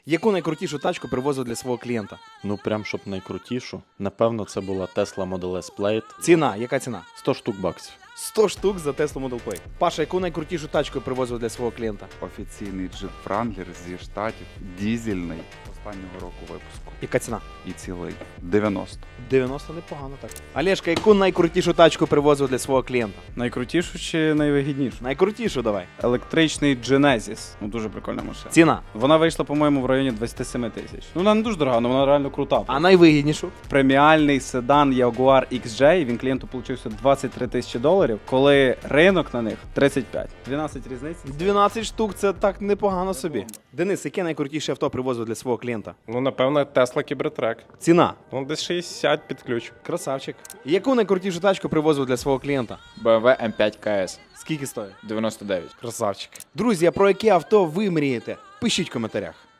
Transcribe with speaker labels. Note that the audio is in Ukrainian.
Speaker 1: Яку найкрутішу тачку привозив для свого клієнта?
Speaker 2: Ну прям щоб найкрутішу. Напевно, це була Tesla Model S Plaid.
Speaker 1: Ціна, яка ціна?
Speaker 2: 100 штук баксів.
Speaker 1: 100 штук за Tesla Model Plaid. Паша, яку найкрутішу тачку привозив для свого клієнта?
Speaker 3: Офіційний джип Wrangler зі штатів, дізельний, останнього року випуску.
Speaker 1: Яка ціна?
Speaker 3: І цілий. 90.
Speaker 1: 90 непогано так. Олешка, яку найкрутішу тачку привозив для свого клієнта?
Speaker 4: Найкрутішу чи найвигіднішу?
Speaker 1: Найкрутішу давай.
Speaker 4: Електричний Genesis. Ну дуже прикольна машина.
Speaker 1: Ціна.
Speaker 4: Вона вийшла, по-моєму, в районі 27 тисяч. Ну вона не дуже дорога, але вона реально крута.
Speaker 1: А найвигіднішу?
Speaker 4: Преміальний седан Jaguar XJ, він клієнту получився 23 тисячі доларів, коли ринок на них 35. 12 різниць.
Speaker 1: 12 штук, це так непогано собі. Денис, яке найкрутіше авто привозив для свого клієнта?
Speaker 5: Ну, напевно, Tesla Cybertruck.
Speaker 1: Ціна.
Speaker 5: Ну, десь 60 під ключ.
Speaker 1: Красавчик. Яку найкрутішу тачку привозив для свого клієнта?
Speaker 6: BMW M5 KS
Speaker 1: Скільки стоїть?
Speaker 6: 99.
Speaker 1: Красавчик. Друзі, а про яке авто ви мрієте? Пишіть в коментарях.